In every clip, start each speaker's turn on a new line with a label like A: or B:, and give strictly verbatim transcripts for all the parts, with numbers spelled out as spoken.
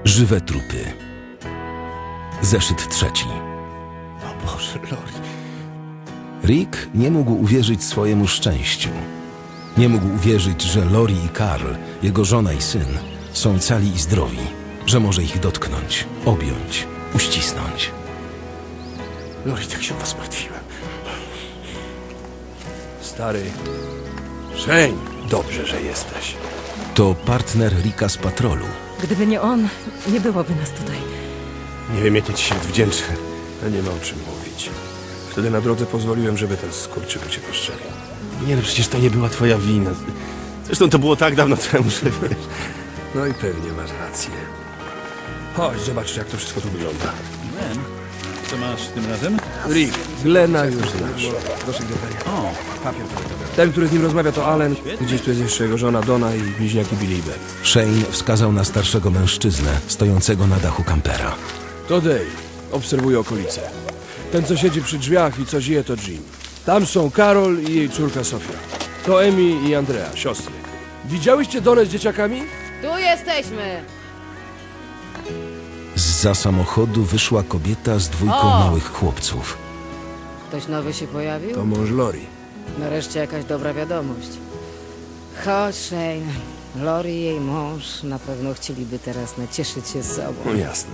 A: Żywe trupy. Zeszyt trzeci.
B: O Boże, Lori.
A: Rick nie mógł uwierzyć swojemu szczęściu. Nie mógł uwierzyć, że Lori i Karl, jego żona i syn, są cali i zdrowi, że może ich dotknąć, objąć, uścisnąć.
B: Lori, tak się o was martwiłem. Stary. Shane, dobrze, że jesteś.
A: To partner Ricka z patrolu.
C: Gdyby nie on, nie byłoby nas tutaj.
B: Nie wiem, jakie ci się wdzięczę. A nie ma o czym mówić. Wtedy na drodze pozwoliłem, żeby ten skurczyk cię postrzelił.
D: Nie no, przecież to nie była twoja wina. Zresztą to było tak dawno temu, że wiesz.
B: No i pewnie masz rację. Chodź, zobacz, jak to wszystko tu wygląda.
E: Glenn, co masz tym razem?
B: Rick, Glena już znasz.
E: O, papier tutaj.
B: Ten, który z nim rozmawia, to Allen. Gdzieś tu jest jeszcze jego żona Donna i bliźniaki Billy i Ben.
A: Shane wskazał na starszego mężczyznę stojącego na dachu kampera.
B: To Dave. Obserwuje okolice. Ten, co siedzi przy drzwiach i co zje, to Jim. Tam są Karol i jej córka Sofia. To Emi i Andrea, siostry. Widziałyście Donę z dzieciakami?
F: Tu jesteśmy!
A: Zza samochodu wyszła kobieta z dwójką
F: O!
A: małych chłopców.
F: Ktoś nowy się pojawił?
B: To mąż Lori.
F: Nareszcie jakaś dobra wiadomość. Chodź, Shane. Lori i jej mąż na pewno chcieliby teraz nacieszyć się z sobą.
B: No jasne.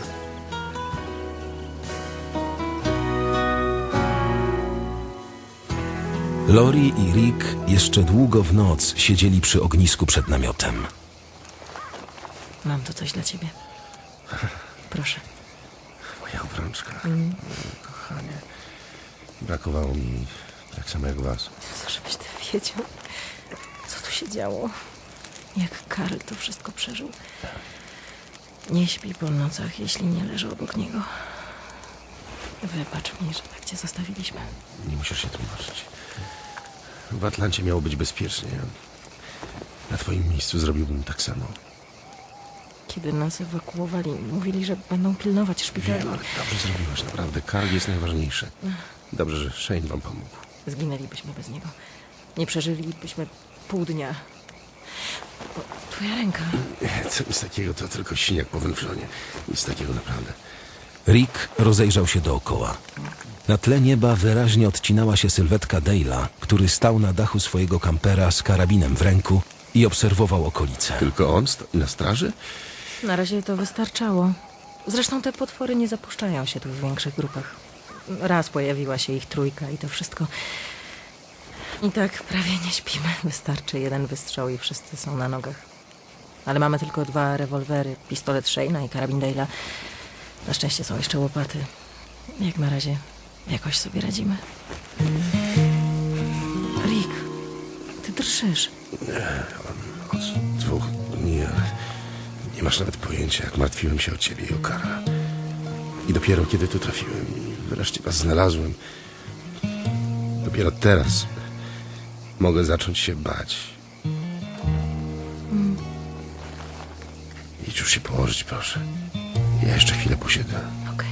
A: Lori i Rick jeszcze długo w noc siedzieli przy ognisku przed namiotem.
C: Mam tu coś dla ciebie. Proszę.
D: Moja obrączka. Mm. Kochanie. Brakowało mi tak samo jak was.
C: Co, żebyś ty wiedział, co tu się działo. Jak Karl to wszystko przeżył. Nie śpi po nocach, jeśli nie leżę obok niego. Wybacz mi, że tak cię zostawiliśmy.
D: Nie musisz się tłumaczyć. W Atlancie miało być bezpiecznie. Na twoim miejscu zrobiłbym tak samo.
C: Kiedy nas ewakuowali, mówili, że będą pilnować szpitali.
D: Wiem, ale dobrze zrobiłaś, naprawdę. Karl jest najważniejszy. Dobrze, że Shane wam pomógł.
C: Zginęlibyśmy bez niego. Nie przeżylibyśmy pół dnia. O, twoja ręka.
D: Co nic takiego, to tylko siniak po węflonie. Nic takiego naprawdę.
A: Rick rozejrzał się dookoła. Na tle nieba wyraźnie odcinała się sylwetka Dale'a, który stał na dachu swojego kampera z karabinem w ręku i obserwował okolice.
D: Tylko on stoi na straży?
C: Na razie to wystarczało. Zresztą te potwory nie zapuszczają się tu w większych grupach. Raz pojawiła się ich trójka i to wszystko. I tak prawie nie śpimy. Wystarczy jeden wystrzał i wszyscy są na nogach. Ale mamy tylko dwa rewolwery, pistolet Shane'a i karabin Dale'a. Na szczęście są jeszcze łopaty. Jak na razie jakoś sobie radzimy. Rick, ty drżysz.
D: Od dwóch dni, ale nie masz nawet pojęcia, jak martwiłem się o ciebie i o Karla. I dopiero kiedy tu trafiłem i wreszcie was znalazłem, dopiero teraz mogę zacząć się bać. Idź już się położyć, proszę. Ja jeszcze chwilę posiedzę.
C: Okej.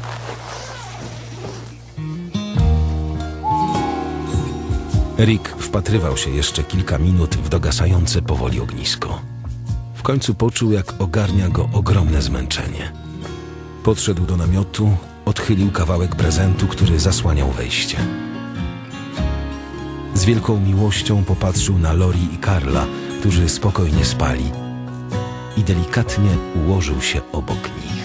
A: Rick wpatrywał się jeszcze kilka minut w dogasające powoli ognisko. W końcu poczuł, jak ogarnia go ogromne zmęczenie. Podszedł do namiotu, odchylił kawałek prezentu, który zasłaniał wejście. Z wielką miłością popatrzył na Lori i Karla, którzy spokojnie spali, i delikatnie ułożył się obok nich.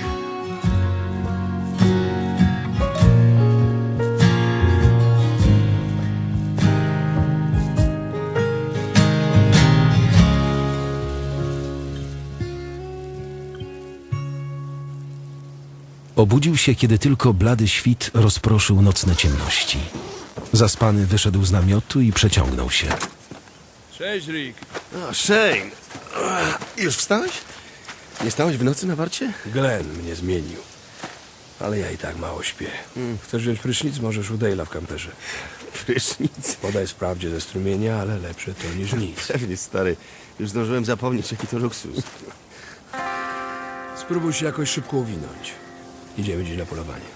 A: Obudził się, kiedy tylko blady świt rozproszył nocne ciemności. Zaspany wyszedł z namiotu i przeciągnął się.
B: Cześć, Rick.
D: O, Shane! Już wstałeś? Nie stałeś w nocy na warcie?
B: Glenn mnie zmienił. Ale ja i tak mało śpię. Chcesz wziąć prysznic? Możesz u Dale'a w kamperze.
D: Prysznic.
B: Podaj wprawdzie ze strumienia, ale lepsze to niż nic.
D: Pewnie, stary. Już zdążyłem zapomnieć, jaki to luksus.
B: Spróbuj się jakoś szybko uwinąć. Idziemy dziś na polowanie.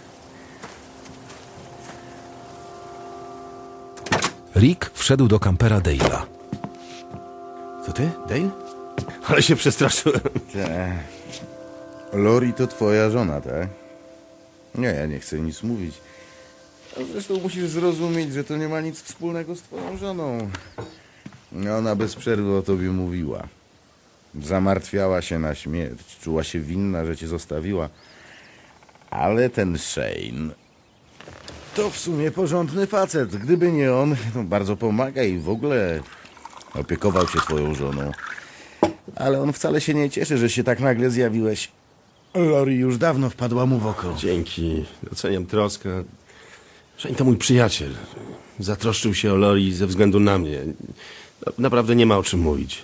A: Rick wszedł do kampera Dale'a.
D: To ty, Dale? Ale się przestraszyłem.
G: Lori to twoja żona, tak? Nie, ja nie chcę nic mówić. A zresztą musisz zrozumieć, że to nie ma nic wspólnego z twoją żoną. Ona bez przerwy o tobie mówiła. Zamartwiała się na śmierć, czuła się winna, że cię zostawiła. Ale ten Shane to w sumie porządny facet. Gdyby nie on, to bardzo pomaga i w ogóle opiekował się twoją żoną. Ale on wcale się nie cieszy, że się tak nagle zjawiłeś. Lori już dawno wpadła mu w oko.
D: Dzięki, doceniam troskę. Shane to mój przyjaciel. Zatroszczył się o Lori ze względu na mnie. No, naprawdę nie ma o czym mówić.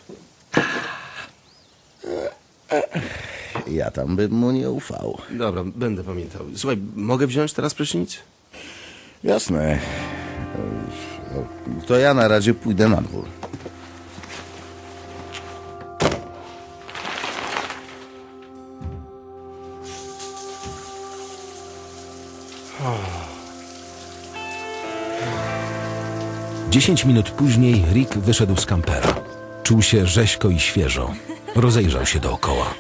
G: Ja tam bym mu nie ufał.
D: Dobra, będę pamiętał. Słuchaj, mogę wziąć teraz prysznic?
G: Jasne. To ja na razie pójdę na dwór.
A: Dziesięć minut później Rick wyszedł z kampera. Czuł się rzeźko i świeżo. Rozejrzał się dookoła.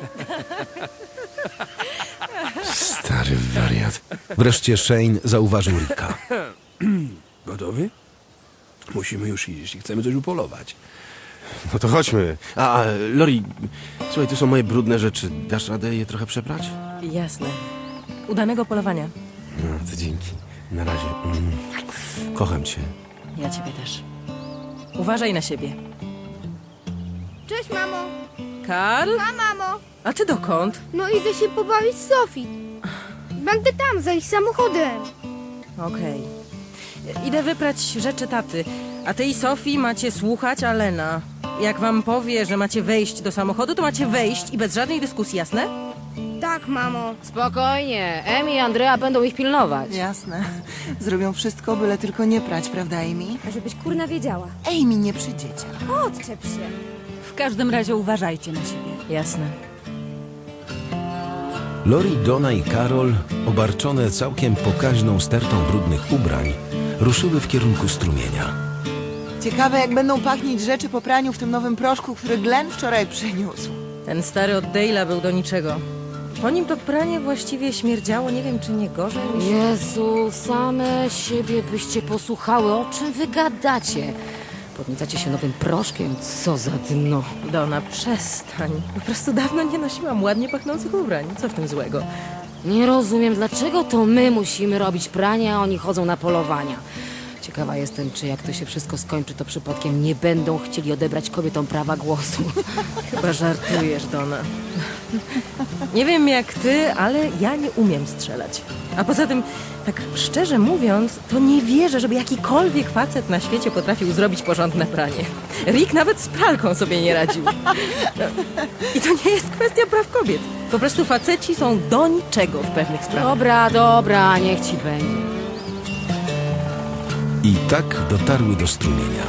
D: Stary wariat.
A: Wreszcie Shane zauważył Ricka.
B: Gotowy? Musimy już iść, jeśli chcemy coś upolować.
D: No to chodźmy. A, a, Lori, słuchaj, tu są moje brudne rzeczy. Dasz radę je trochę przeprać?
C: Jasne. Udanego polowania.
D: No, to dzięki. Na razie. Mm. Kocham cię.
C: Ja ciebie też. Uważaj na siebie.
H: Cześć, mamo.
C: Karl?
H: A, mamo.
C: A ty dokąd?
H: No idę się pobawić z Sofii. Będę tam, za ich samochodem.
C: Okej. Idę wyprać rzeczy taty. A ty i Sofii macie słuchać Alena. Jak wam powie, że macie wejść do samochodu, to macie wejść i bez żadnej dyskusji, jasne?
H: Tak, mamo.
F: Spokojnie, Emi i Andrea będą ich pilnować.
I: Jasne. Zrobią wszystko, byle tylko nie prać, prawda, Amy?
H: A żebyś kurna wiedziała.
I: Amy nie przy dzieciach.
H: Odczep się.
I: W każdym razie uważajcie na siebie.
C: Jasne.
A: Lori, Donna i Karol, obarczone całkiem pokaźną stertą brudnych ubrań, ruszyły w kierunku strumienia.
I: Ciekawe, jak będą pachnieć rzeczy po praniu w tym nowym proszku, który Glenn wczoraj przyniósł.
C: Ten stary od Dale'a był do niczego. Po nim to pranie właściwie śmierdziało, nie wiem czy nie gorzej niż...
F: Jezu, same siebie byście posłuchały, o czym wy gadacie? Podniecacie się nowym proszkiem, co za dno.
C: Donna, przestań. Po prostu dawno nie nosiłam ładnie pachnących ubrań. Co w tym złego?
F: Nie rozumiem, dlaczego to my musimy robić pranie, a oni chodzą na polowania. Ciekawa jestem, czy jak to się wszystko skończy, to przypadkiem nie będą chcieli odebrać kobietom prawa głosu.
C: Chyba żartujesz, Donna. Nie wiem jak ty, ale ja nie umiem strzelać. A poza tym, tak szczerze mówiąc, to nie wierzę, żeby jakikolwiek facet na świecie potrafił zrobić porządne pranie. Rick nawet z pralką sobie nie radził. No, i to nie jest kwestia praw kobiet. Po prostu faceci są do niczego w pewnych sprawach.
F: Dobra, dobra, niech ci będzie.
A: I tak dotarły do strumienia.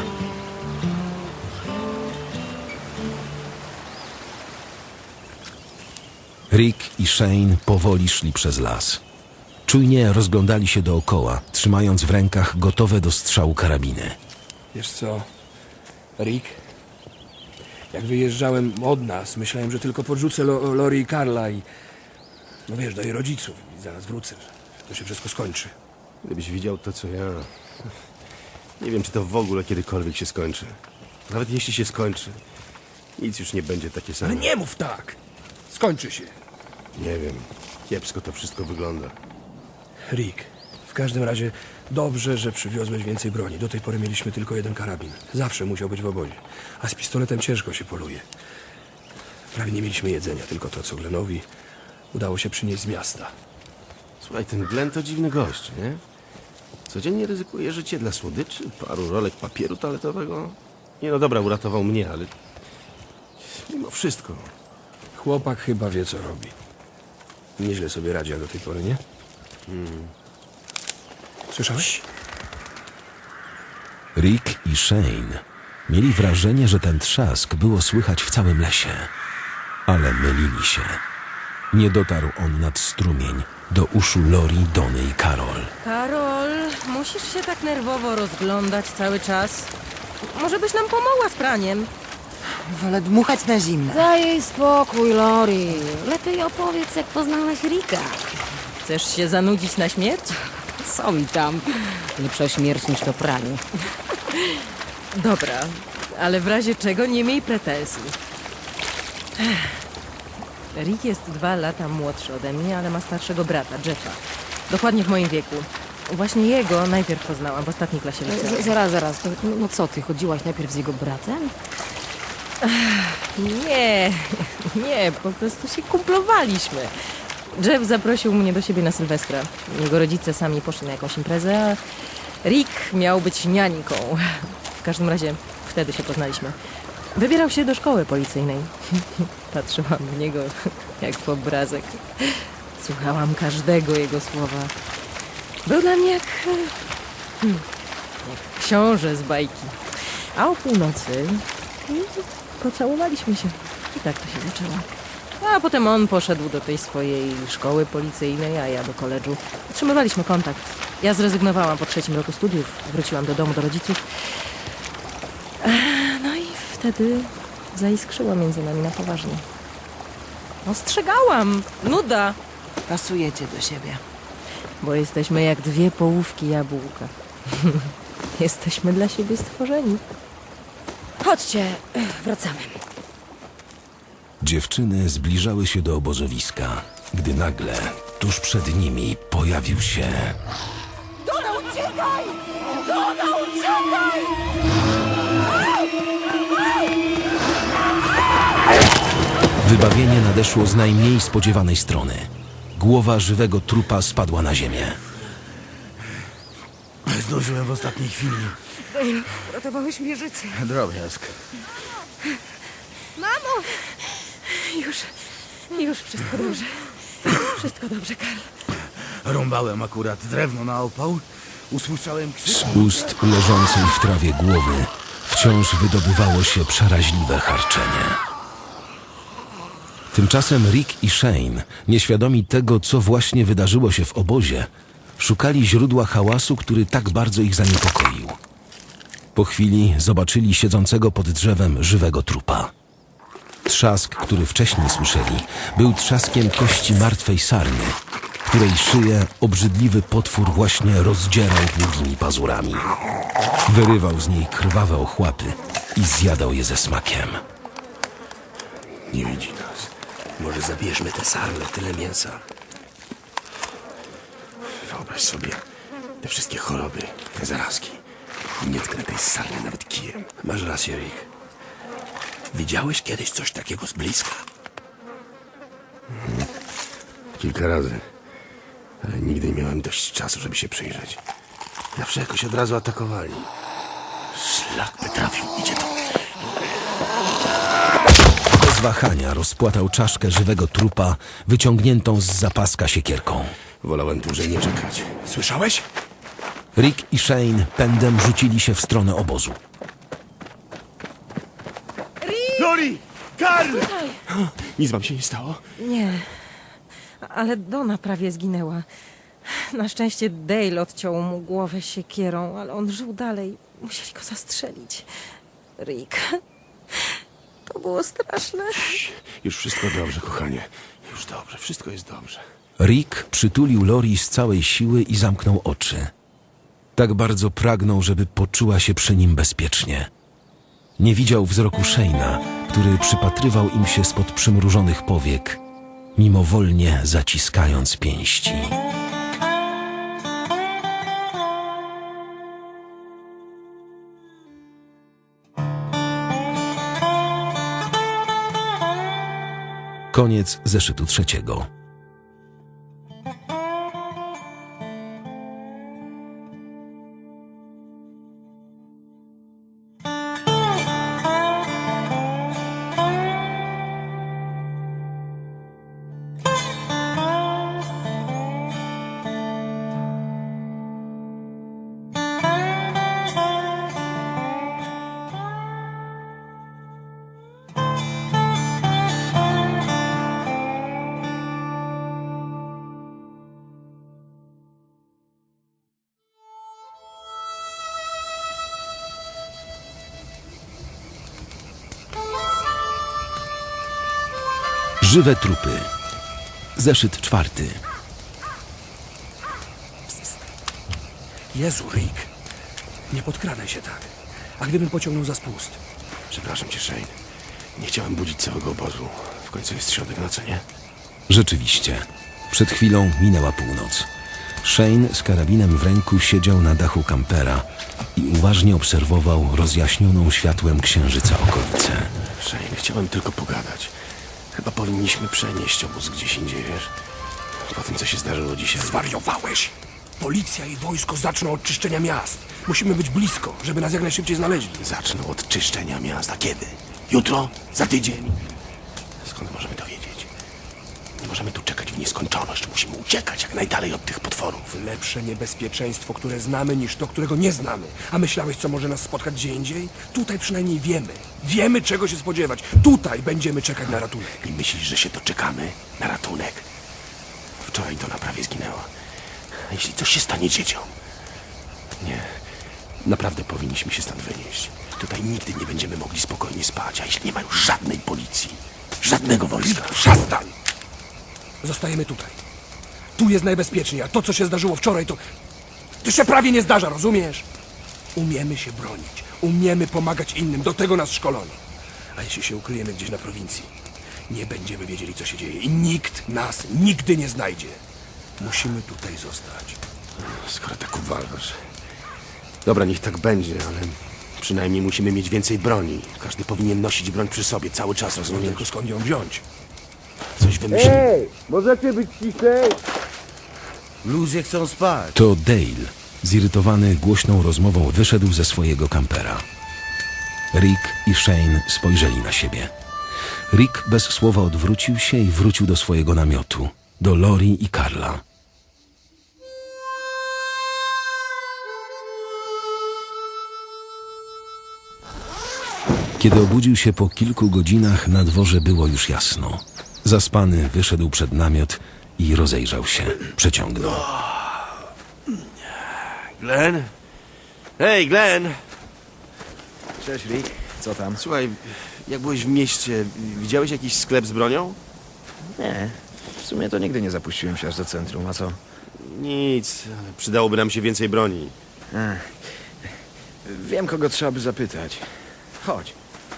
A: Rick i Shane powoli szli przez las. Czujnie rozglądali się dookoła, trzymając w rękach gotowe do strzału karabiny.
B: Wiesz co, Rick? Jak wyjeżdżałem od nas, myślałem, że tylko podrzucę Lo- Lori i Karla i... No wiesz, do jej rodziców i zaraz wrócę. To się wszystko skończy.
D: Gdybyś widział to, co ja... Nie wiem, czy to w ogóle kiedykolwiek się skończy. Nawet jeśli się skończy, nic już nie będzie takie same.
B: Ale nie mów tak! Skończy się.
D: Nie wiem. Kiepsko to wszystko wygląda.
B: Rick, w każdym razie dobrze, że przywiozłeś więcej broni. Do tej pory mieliśmy tylko jeden karabin. Zawsze musiał być w obozie. A z pistoletem ciężko się poluje. Prawie nie mieliśmy jedzenia, tylko to, co Glenowi udało się przynieść z miasta.
D: Słuchaj, ten Glenn to dziwny gość, nie? Codziennie ryzykuje życie dla słodyczy, paru rolek papieru toaletowego. Nie no dobra, uratował mnie, ale... Mimo wszystko.
B: Chłopak chyba wie, co robi. Nieźle sobie radzi jak do tej pory, nie?
D: Hmm.
B: Słyszałeś?
A: Rick i Shane mieli wrażenie, że ten trzask było słychać w całym lesie. Ale mylili się. Nie dotarł on nad strumień do uszu Lori, Dony i Karol.
C: Karol, musisz się tak nerwowo rozglądać cały czas. Może byś nam pomogła z praniem?
I: Wolę dmuchać na zimne.
F: Daj jej spokój, Lori. Lepiej opowiedz, jak poznałaś Rika.
C: Chcesz się zanudzić na śmierć?
F: Co mi tam? Lepsza śmierć niż to pranie.
C: Dobra, ale w razie czego nie miej pretensji. Rick jest dwa lata młodszy ode mnie, ale ma starszego brata, Jeffa. Dokładnie w moim wieku. Właśnie jego najpierw poznałam w ostatniej klasie liceum.
F: Z- Zaraz, zaraz. To, no, no co, ty chodziłaś najpierw z jego bratem?
C: Nie, nie, po prostu się kumplowaliśmy. Jeff zaprosił mnie do siebie na Sylwestra. Jego rodzice sami poszli na jakąś imprezę, a Rick miał być niańką. W każdym razie wtedy się poznaliśmy. Wybierał się do szkoły policyjnej. Patrzyłam w niego jak w obrazek. Słuchałam każdego jego słowa. Był dla mnie jak, hmm, jak książę z bajki. A o północy pocałowaliśmy się. I tak to się zaczęło. A potem on poszedł do tej swojej szkoły policyjnej, a ja do koledżu. Utrzymywaliśmy kontakt. Ja zrezygnowałam po trzecim roku studiów. Wróciłam do domu, do rodziców. No i wtedy zaiskrzyło między nami na poważnie. Ostrzegałam! Nuda!
I: Pasujecie do siebie.
C: Bo jesteśmy jak dwie połówki jabłka. Jesteśmy dla siebie stworzeni.
F: Chodźcie, wracamy.
A: Dziewczyny zbliżały się do obozowiska, gdy nagle tuż przed nimi pojawił się... Wybawienie nadeszło z najmniej spodziewanej strony. Głowa żywego trupa spadła na ziemię.
G: Zdążyłem w ostatniej chwili.
F: Ratowałeś mi życie.
G: Drobiazg.
H: Mamo!
C: Już, już wszystko dobrze. Wszystko dobrze, Karl.
G: Rąbałem akurat drewno na opał. Usłyszałem krzyk.
A: Z ust leżącej w trawie głowy wciąż wydobywało się przeraźliwe harczenie. Tymczasem Rick i Shane, nieświadomi tego, co właśnie wydarzyło się w obozie, szukali źródła hałasu, który tak bardzo ich zaniepokoił. Po chwili zobaczyli siedzącego pod drzewem żywego trupa. Trzask, który wcześniej słyszeli, był trzaskiem kości martwej sarny, której szyję obrzydliwy potwór właśnie rozdzierał długimi pazurami. Wyrywał z niej krwawe ochłapy i zjadał je ze smakiem.
D: Nie widzi nas. Może zabierzmy tę sarnę, tyle mięsa. Wyobraź sobie te wszystkie choroby, te zarazki. Nie tknę tej sarny nawet kijem. Masz rację, Rick. Widziałeś kiedyś coś takiego z bliska? Mhm. Kilka razy. Ale nigdy nie miałem dość czasu, żeby się przyjrzeć. Zawsze jakoś od razu atakowali. Szlak by trafił. Idzie to.
A: Bez wahania rozpłatał czaszkę żywego trupa, wyciągniętą z zapaska siekierką.
D: Wolałem dłużej nie czekać. Słyszałeś?
A: Rick i Shane pędem rzucili się w stronę obozu.
D: Lori! Karl! Nic wam się nie stało?
C: Nie, ale Donna prawie zginęła. Na szczęście Dale odciął mu głowę siekierą, ale on żył dalej. Musieli go zastrzelić. Rick, to było straszne.
D: Już wszystko dobrze, kochanie. Już dobrze, wszystko jest dobrze.
A: Rick przytulił Lori z całej siły i zamknął oczy. Tak bardzo pragnął, żeby poczuła się przy nim bezpiecznie. Nie widział wzroku Shane'a, który przypatrywał im się spod przymrużonych powiek, mimowolnie zaciskając pięści. Koniec zeszytu trzeciego. Żywe trupy. Zeszyt czwarty.
B: Jezu, Rick. Nie podkradaj się tak. A gdybym pociągnął za spust?
D: Przepraszam cię, Shane. Nie chciałem budzić całego obozu. W końcu jest środek nocy, nie?
A: Rzeczywiście. Przed chwilą minęła północ. Shane z karabinem w ręku siedział na dachu kampera i uważnie obserwował rozjaśnioną światłem księżyca okolicę.
D: Shane, chciałem tylko pogadać. Chyba powinniśmy przenieść obóz gdzieś indziej, wiesz? Po tym, co się zdarzyło dzisiaj.
B: Zwariowałeś! Policja i wojsko zaczną od czyszczenia miast. Musimy być blisko, żeby nas jak najszybciej znaleźli.
D: Zaczną od czyszczenia miasta. Kiedy? Jutro? Za tydzień? Skąd możemy to wiedzieć? Nie możemy tu czekać w nieskończoność. Musimy uciekać jak najdalej od tych potworów.
B: Lepsze niebezpieczeństwo, które znamy, niż to, którego nie znamy. A myślałeś, co może nas spotkać gdzie indziej? Tutaj przynajmniej wiemy. Wiemy, czego się spodziewać. Tutaj będziemy czekać na ratunek.
D: I myślisz, że się doczekamy na ratunek? Wczoraj to prawie zginęła. A jeśli coś się stanie dzieciom? Nie. Naprawdę powinniśmy się stąd wynieść. Tutaj nigdy nie będziemy mogli spokojnie spać, a jeśli nie ma już żadnej policji, żadnego wojska.
B: Przestań! Zostajemy tutaj. Tu jest najbezpieczniej, a to, co się zdarzyło wczoraj, to... To się prawie nie zdarza, rozumiesz? Umiemy się bronić. Umiemy pomagać innym. Do tego nas szkolono. A jeśli się ukryjemy gdzieś na prowincji, nie będziemy wiedzieli, co się dzieje. I nikt nas nigdy nie znajdzie. Musimy tutaj zostać.
D: Skoro tak uważasz. Dobra, niech tak będzie, ale przynajmniej musimy mieć więcej broni. Każdy powinien nosić broń przy sobie cały czas, rozumiesz?
B: Tylko skąd ją wziąć?
D: Coś wymyślimy.
B: Możecie być ciszej?
G: Ludzie chcą spać.
A: To Dale, zirytowany głośną rozmową, wyszedł ze swojego kampera. Rick i Shane spojrzeli na siebie. Rick bez słowa odwrócił się i wrócił do swojego namiotu, do Lori i Karla. Kiedy obudził się po kilku godzinach, na dworze było już jasno. Zaspany wyszedł przed namiot i rozejrzał się. Przeciągnął.
D: Glenn? Hej, Glenn!
E: Cześć, Rick. Co tam?
D: Słuchaj, jak byłeś w mieście, widziałeś jakiś sklep z bronią?
E: Nie. W sumie to nigdy nie zapuściłem się aż do centrum, a co?
D: Nic, ale przydałoby nam się więcej broni.
E: Ech. Wiem, kogo trzeba by zapytać. Chodź.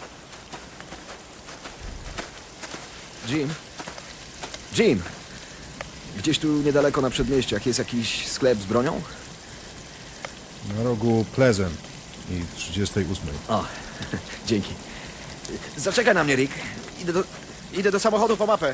E: Jim? Jim! Gdzieś tu niedaleko na przedmieściach jest jakiś sklep z bronią?
J: Na rogu Pleasant i trzydziestej ósmej.
E: O, dzięki. Zaczekaj na mnie, Rick. Idę do, idę do samochodu po mapę.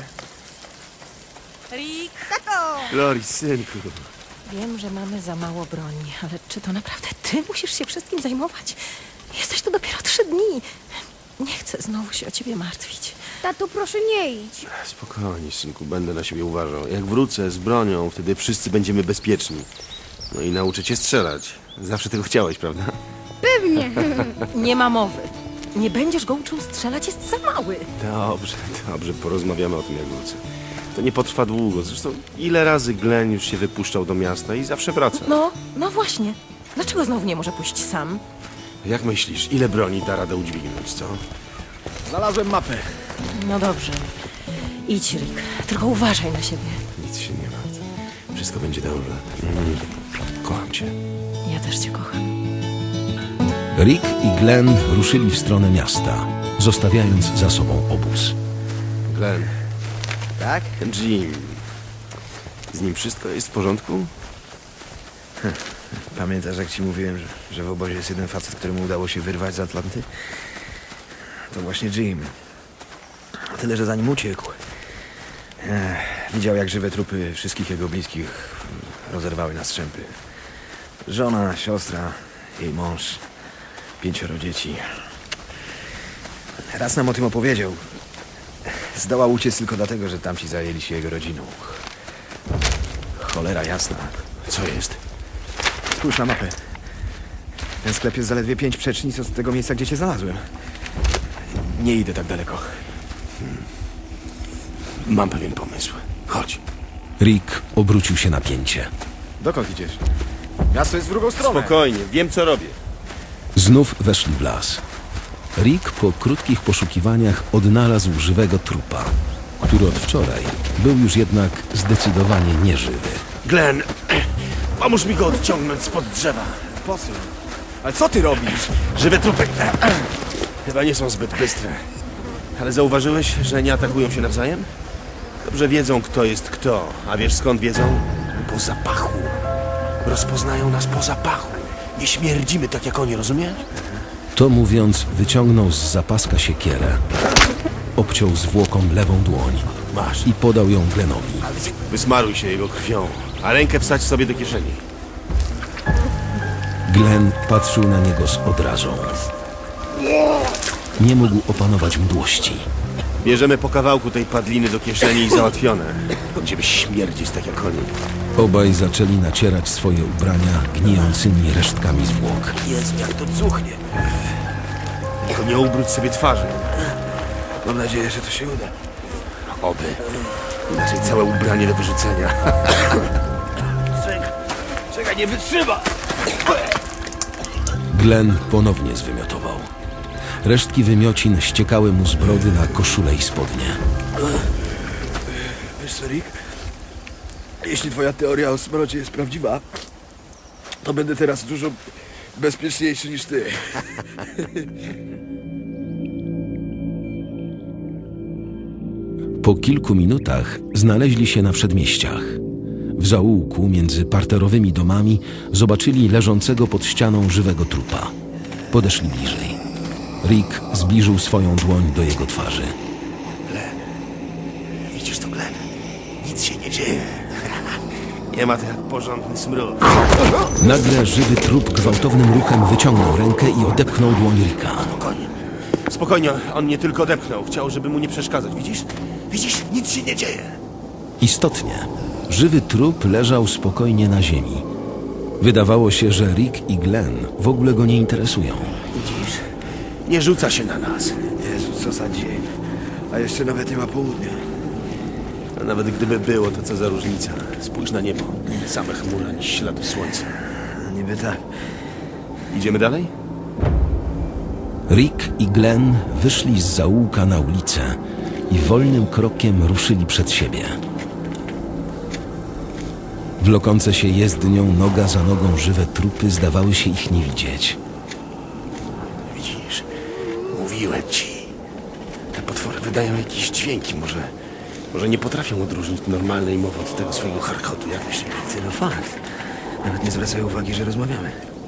C: Rick,
D: Lori, synku.
C: wiem, że mamy za mało broni, ale czy to naprawdę ty musisz się wszystkim zajmować? Jesteś tu dopiero trzy dni. Nie chcę znowu się o ciebie martwić.
H: Tato, proszę nie idź.
D: Spokojnie, synku, będę na siebie uważał. Jak wrócę z bronią, wtedy wszyscy będziemy bezpieczni. No i nauczę cię strzelać. Zawsze tego chciałeś, prawda?
H: Pewnie.
C: Nie ma mowy. Nie będziesz go uczył strzelać, jest za mały.
D: Dobrze, dobrze, porozmawiamy o tym, jak wrócę. To nie potrwa długo. Zresztą ile razy Glenn już się wypuszczał do miasta i zawsze wraca.
C: No, no właśnie. Dlaczego znowu nie może pójść sam?
D: Jak myślisz, ile broni da radę udźwignąć, co?
E: Znalazłem mapę.
C: No dobrze. Idź, Rick. Tylko uważaj na siebie.
D: Nic się nie martw. Wszystko będzie dobrze. Mm. Kocham cię.
C: Ja też cię kocham.
A: Rick i Glenn ruszyli w stronę miasta, zostawiając za sobą obóz.
D: Glenn,
E: Tak?
D: Jim. Z nim wszystko jest w porządku?
E: Pamiętasz, jak ci mówiłem, że, że w obozie jest jeden facet, któremu udało się wyrwać z Atlanty? To właśnie Jim. Tyle, że zanim uciekł, eh, widział, jak żywe trupy wszystkich jego bliskich rozerwały na strzępy. Żona, siostra, jej mąż, pięcioro dzieci. Raz nam o tym opowiedział. Zdołał uciec tylko dlatego, że tamci zajęli się jego rodziną. Cholera jasna.
D: Co jest?
E: Spójrz na mapę. Ten sklep jest zaledwie pięć przecznic od tego miejsca, gdzie cię znalazłem. Nie idę tak daleko.
D: Mam pewien pomysł. Chodź.
A: Rick obrócił się na pięcie.
E: Dokąd idziesz? Miasto jest w drugą stronę.
D: Spokojnie, wiem co robię.
A: Znów weszli w las. Rick po krótkich poszukiwaniach odnalazł żywego trupa. który od wczoraj był już jednak zdecydowanie nieżywy.
D: Glenn, pomóż mi go odciągnąć spod drzewa.
E: Po co? Ale co ty robisz?
D: Żywe trupy chyba nie są zbyt bystre. Ale zauważyłeś, że nie atakują się nawzajem? Dobrze wiedzą, kto jest kto. A wiesz skąd wiedzą? Po zapachu. Rozpoznają nas po zapachu. Nie śmierdzimy tak jak oni, rozumiesz?
A: To mówiąc, wyciągnął z zapaska siekierę, obciął zwłoką lewą dłoń
D: Masz.
A: i podał ją Glenowi.
D: Wysmaruj się jego krwią, a rękę wsadź sobie do kieszeni.
A: Glenn patrzył na niego z odrazą. Nie mógł opanować mdłości.
D: Bierzemy po kawałku tej padliny do kieszeni i załatwione. Będziemy śmierdzić tak jak oni.
A: Obaj zaczęli nacierać swoje ubrania gnijącymi resztkami zwłok.
D: Jezu, jak to cuchnie. Tylko nie ubrudź sobie twarzy.
E: Mam nadzieję, że to się uda.
D: Oby. Inaczej całe ubranie do wyrzucenia. Czekaj, czekaj, nie wytrzyma!
A: Glenn ponownie zwymiotował. Resztki wymiocin ściekały mu z brody na koszulę i spodnie.
B: Wiesz co, Rick? Jeśli twoja teoria o smrodzie jest prawdziwa, to będę teraz dużo bezpieczniejszy niż ty.
A: Po kilku minutach znaleźli się na przedmieściach. W zaułku między parterowymi domami zobaczyli leżącego pod ścianą żywego trupa. Podeszli bliżej. Rick zbliżył swoją dłoń do jego twarzy.
D: Widzisz to, Glenn? Nic się nie dzieje. Nie ma to jak porządny smród.
A: Nagle żywy trup gwałtownym ruchem wyciągnął rękę i odepchnął dłoń Ricka.
D: Spokojnie. Spokojnie, on nie tylko odepchnął. Chciał, żeby mu nie przeszkadzać. Widzisz? Widzisz? Nic się nie dzieje.
A: Istotnie, żywy trup leżał spokojnie na ziemi. Wydawało się, że Rick i Glenn w ogóle go nie interesują.
D: Widzisz? Nie rzuca się na nas.
B: Jezu, co za dzień. A jeszcze nawet nie ma południa.
D: A nawet gdyby było, to co za różnica. Spójrz na niebo. Same chmury, ani śladu słońca.
E: Niby tak.
D: Idziemy dalej?
A: Rick i Glenn wyszli z zaułka na ulicę i wolnym krokiem ruszyli przed siebie. Wlokące się jezdnią noga za nogą żywe trupy zdawały się ich nie widzieć.
D: Widzisz? Mówiłem ci. Te potwory wydają jakieś dźwięki. Może, może nie potrafią odróżnić normalnej mowy od tego swojego charkotu, jak myślisz?
E: Ty, no fakt. Nawet nie zwracają uwagi, że rozmawiamy.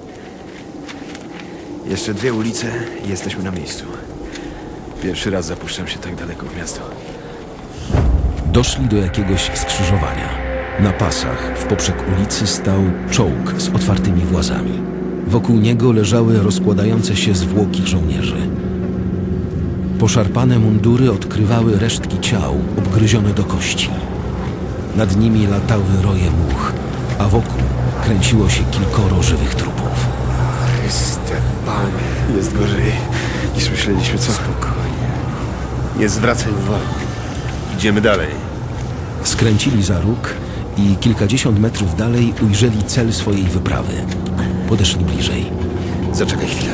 E: Jeszcze dwie ulice i jesteśmy na miejscu. Pierwszy raz zapuszczam się tak daleko w miasto.
A: Doszli do jakiegoś skrzyżowania. Na pasach w poprzek ulicy stał czołg z otwartymi włazami. Wokół niego leżały rozkładające się zwłoki żołnierzy. Poszarpane mundury odkrywały resztki ciał obgryzione do kości. Nad nimi latały roje much, a wokół kręciło się kilkoro żywych trupów.
D: Panie, jest gorzej niż myśleliśmy. Co? Spokojnie. Nie zwracaj uwagi. Idziemy dalej.
A: Skręcili za róg i kilkadziesiąt metrów dalej ujrzeli cel swojej wyprawy. Podeszli bliżej.
D: Zaczekaj chwilę.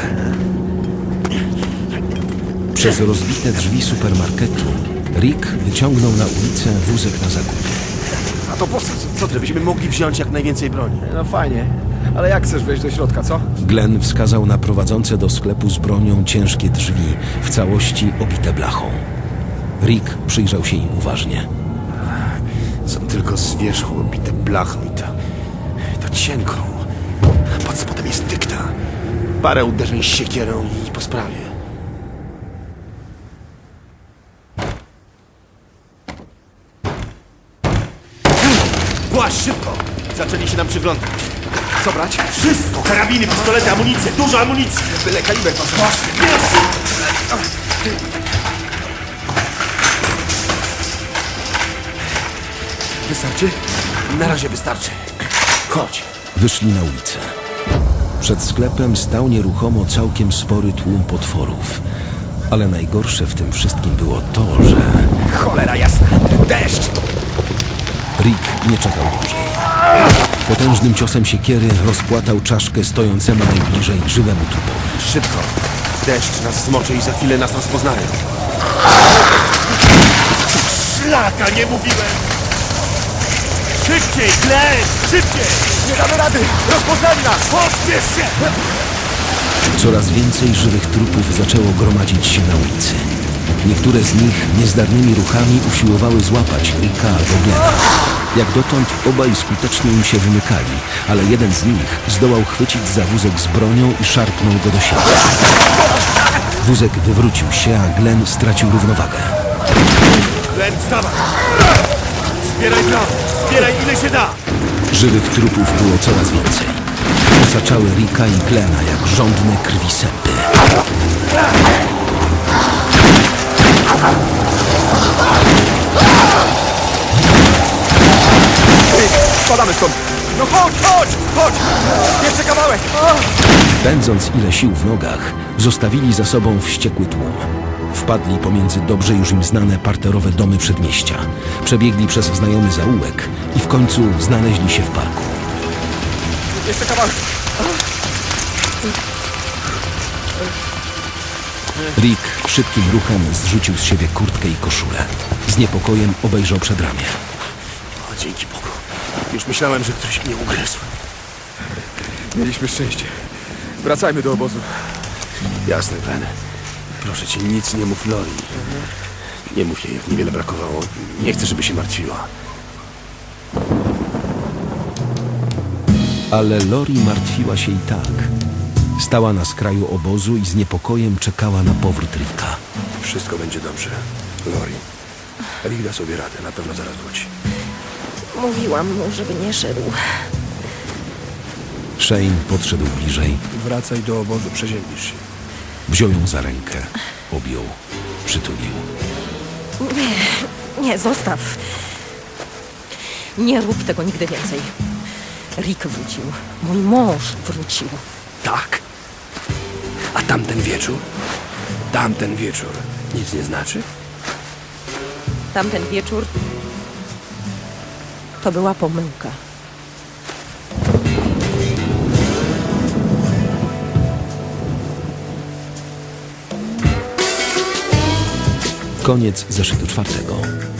A: Przez rozbite drzwi supermarketu Rick wyciągnął na ulicę wózek na zakupy.
D: A to po co? Co, żebyśmy mogli wziąć jak najwięcej broni?
E: No fajnie, ale jak chcesz wejść do środka, co?
A: Glenn wskazał na prowadzące do sklepu z bronią ciężkie drzwi, w całości obite blachą. Rick przyjrzał się im uważnie.
D: Są tylko z wierzchu obite blachą i to... to cienką. Pod spodem jest dykta. Parę uderzeń siekierą i po sprawie. Właź szybko! Zaczęli się nam przyglądać.
E: Co brać?
D: Wszystko! Karabiny, pistolety, amunicję! Dużo amunicji!
E: Byle kaliber, pan.
D: Wystarczy? Na razie wystarczy. Chodź.
A: Wyszli na ulicę. Przed sklepem stał nieruchomo całkiem spory tłum potworów. Ale najgorsze w tym wszystkim było to, że
E: Cholera jasna! Deszcz!
A: Rick nie czekał dłużej. Potężnym ciosem siekiery rozpłatał czaszkę stojącemu najbliżej żywemu trupowi.
D: Szybko. Deszcz nas zmoczy i za chwilę nas rozpoznają. Laka, nie mówiłem! Szybciej, Glenn! Szybciej! Nie damy rady! Rozpoznali nas! Pośpiesz się!
A: Coraz więcej żywych trupów zaczęło gromadzić się na ulicy. Niektóre z nich niezdarnymi ruchami usiłowały złapać Ricka albo Glena. Jak dotąd obaj skutecznie im się wymykali, ale jeden z nich zdołał chwycić za wózek z bronią i szarpnął go do siebie. Wózek wywrócił się, a Glenn stracił równowagę.
D: Glenn, wstawaj! Zbieraj prawo! Zbieraj ile się da!
A: Żywych trupów było coraz więcej. Osaczały Ricka i Glena jak żądne krwi sępy.
D: Spadamy stąd! No chodź, chodź, chodź! Jeszcze kawałek!
A: Pędząc ile sił w nogach, zostawili za sobą wściekły tłum. Wpadli pomiędzy dobrze już im znane parterowe domy przedmieścia. Przebiegli przez znajomy zaułek i w końcu znaleźli się w parku.
D: Jeszcze kawałek!
A: Rick szybkim ruchem zrzucił z siebie kurtkę i koszulę. Z niepokojem obejrzał przedramię.
D: O, dzięki Bogu. Już myślałem, że ktoś mnie ugryzł.
B: Mieliśmy szczęście. Wracajmy do obozu.
D: Jasne, Glenn. Proszę cię, nic nie mów Lori. Nie mów jej, jak niewiele brakowało. Nie chcę, żeby się martwiła.
A: Ale Lori martwiła się i tak. Stała na skraju obozu i z niepokojem czekała na powrót Ricka.
B: Wszystko będzie dobrze. Lori. Rick da sobie radę, na pewno zaraz wróci.
C: Mówiłam mu, żeby nie szedł.
A: Shane podszedł bliżej,
B: Wracaj do obozu, przeziębisz się.
A: wziął ją za rękę, objął, przytulił.
C: Nie, nie, zostaw. Nie rób tego nigdy więcej. Rick wrócił. Mój mąż wrócił.
B: Tak? A tamten wieczór? Tamten wieczór nic nie znaczy?
C: Tamten wieczór to była pomyłka.
A: Koniec zeszytu czwartego.